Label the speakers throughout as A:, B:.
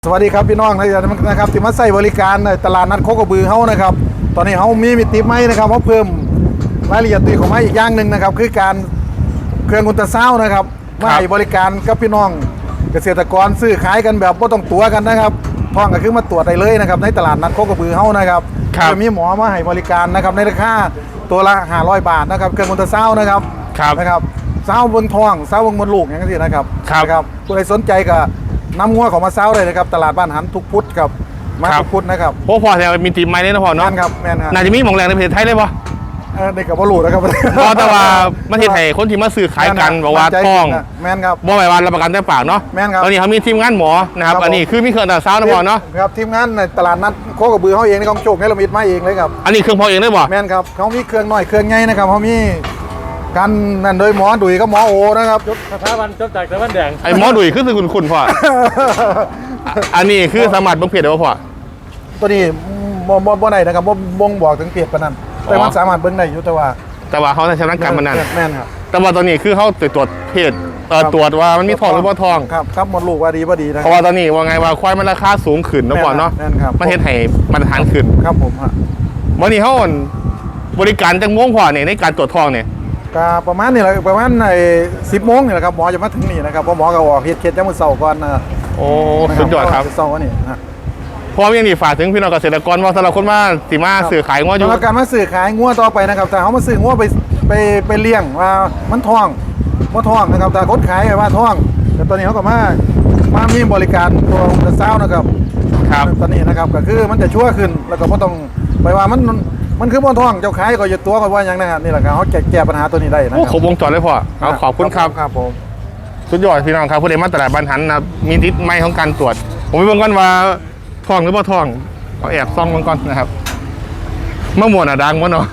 A: สวัสดีครับพี่น้องนะครับที่มาใส่บริการในตลาดนัดโคกระบือเฮานะครับตอนนี้เฮามีมิติใหม่นะครับเขาเพิ่มรายละเอียดตีของไม้อีกอย่างหนึ่งนะครับคือการเครื่องอุลตราซาวน์นะครับมาให้บริการกับพี่น้องเกษตรกรซื้อขายกันแบบไม่ต้องตั๋วกันนะครับท้องก็คือมาตรวจได้เลยนะครับในตลาดนัดโคกระบือเฮานะครับจะมีหมอมาให้บริการนะครับในราคาตัวละ500 บาทนะครับเครื่องอุลตราซาวน์นะครับซาวบนท้องซาวบนลูกอย่างนี้นะครับผู้ใดสนใจก็น้ำงัวของมาเซ้าเลยนะครับตลาดบ้านหันทุกพุธกับมาทุกพุธนะครับ
B: พอแต่มีตีมไม้เนี่ยนะพอเนาะ
A: แม่นครับ
B: น่าจะมีหมองแรงในประเทศไทยเลยปะ
A: ในกับบอลูนะครับ
B: แต่ว่าประเทศไทยคนที่มาซื้อขายกันบอกว่าท้อง
A: แม่นครับ
B: บ่หมายว่ารับประกันแต่ปากเนาะ
A: แม่นครับ
B: ตอนนี้เขามีทีมงานหมอนะครับอันนี้คือมีเครื่องตัดเซ้านะพอเนาะ
A: ครับทีมงานในตลาดนัดโคกระบือเขาเองในกองโจกในละมิดมาเองเลยครับ
B: อันนี้เครื่องพอเองได้บ่
A: แม่นครับเขามีเครื่องน้อยเครื่องใหญ่นะครับเขามีกันนั่นโดยหมอดุยก็หมอโอนะครับ
C: สถาบันจบจากตะวันแดง
B: ไอ้หมอดุยคือคุณพ่ออันนี้คือสามารถบ่งเพียรได้ป่ะพ่อ
A: ตัวนี้บ่ได้นะครับบ่งบอกถึงเพียรปานนั้นแต่มันสามารถเบิ่งได้อยู่แต่ว่า
B: เขาชำนาญการมันนั่น
A: แม่นครับ
B: แต่ว่าตอนนี้คือเขาตรวจเพศตรวจว่ามันมีทองหรือว่าทอง
A: ครับหมดลูกว่าดีบ่ดีนะ
B: เพราะว่าตอนนี้ว่าไงว่าควายมันราคาสูงขึ้นนะพ่อเนาะประเทศไทยมาตรฐานขึ้น
A: ครับผมฮะ
B: วันนี้เขาบริการจังม่วงพ่อเนี่ยในการตรวจทองเนี่ย
A: ก็ประมาณนี้แหละประมาณ10 โมงนี่แหละครับหมอจะมาถึงนี่นะครับเพราะหมอก็ออกเคสจังมื้อเช้าก่อนนะ
B: โอ้สุดยอดครับ
A: เช้าวันนี้นะ
B: พร้อมยังดีฝากถึงพี่น้องเกษตรกรว่าสำหรับคนมาสิมาซื้อขายงัวอยู่
A: การมาซื้อขายงัวต่อไปนะครับแต่เขามาซื้องัวไปเลี้ยงว่ามันท้องนะครับแต่คนขายว่าท้องแต่ตอนนี้เขาก็มามีบริการตัวอุลตราซาวน์นะครับตอนนี้นะครับก็คือมันจะชั่วขึ้นแล้วก็ไม่ต้องไปว่ามันคือบนท้องเจ้าขายก็จะตัวกันว่าอย่างนั้นนี่แหละครับเขาแก้ปัญหาตัวนี้ได้นะครับ
B: ครบวงจรเลยพ่อเอาขอบคุณครับ
A: ครับผม
B: สุดยอดพี่น้องครับผู้ใดมาตลาดบ้านหันนะมีทิศไม้ของการตรวจผมไปเบิ่งก่อนว่าท้องหรือว่าท้องเอาแอบซ่องมันก่อนนะครับมะม่วงดังวะเนาะ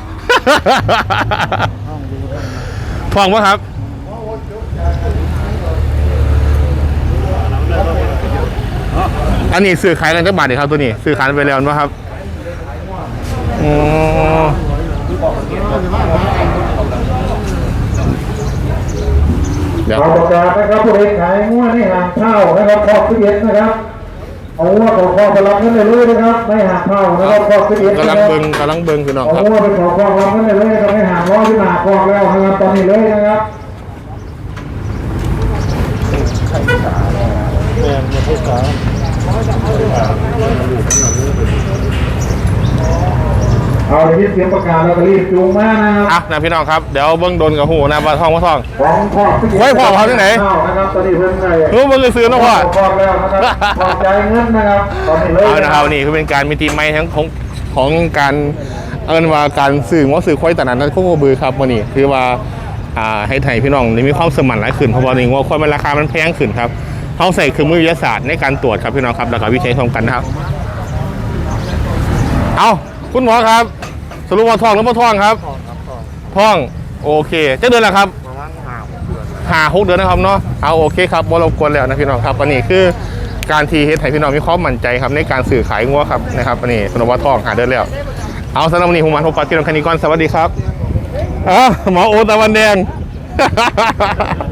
B: ท้องวะครับอันนี้ซื้อขายกันจักบาทเดี๋ยวครับตัวนี้ซื้อขายไปแล้วมั้งครับ
A: เดี๋ยวประกาศนะครับผู้ใดขายงัวในห่างเช่านะครับครอบครัวนะครับเอางัวของครอบครัวรับเงินเลยนะครับไม่ห่างเช่านะครับครอบครัว
B: กำลังเบิ่งพี่น้องครับ
A: เอางัวไปขอครอบรับเงินเลยนะครับไม่ห่างร้อยที่หนาครอบแล้วนะครับตอนนี้เลยนะครับเอาเดี๋ยวเสียงประกาศเราก็รีบจูงมานะครับ
B: นะพี่น้องครับเดี๋ยวเบิ้งโดนกับหูนะปลาทองไว้พ่อเขาที่ไหน
A: นะครับตอนนี้เพิ่งไง
B: รู้เบิ้งซื้อนะพ่อ
A: แล้วนะครับพอใจเงินนะครับตอนนี้เลย
B: เอานะครับนี่คือเป็นการมีทีมไม้ทั้งของการว่าการสื่อว่าสื่อควายตลาดนัดโคกระบือครับวันนี้คือว่าให้ไทยพี่น้องมีความสมานหลายขึ้นเพราะว่านี่ว่าควายมันราคามันแพงขึ้นครับเขาใส่เครื่องมือวิทยาศาสตร์ในการตรวจครับพี่น้องครับแล้วก็วิจัยทำกันนะครับเอาคุณหมอครับสรุปว่าท้องหรือไม่ท้องครับท้องโอเคจะเดือนละครับประมาณ5-6 เดือนนะครับเนาะเอาโอเคครับบ่รบกวนแล้วนะพี่น้องครับอันนี้คือการทีเฮ็ดให้พี่น้องมีความมั่นใจครับในการสื่อขายงัวครับนะครับอันนี้สรุปว่าท้อง5 เดือนแล้วเอาสำหรับวันนี้ผมมาพบกับพี่น้องคณิกรสวัสดีครับหมอโอตะวันแดง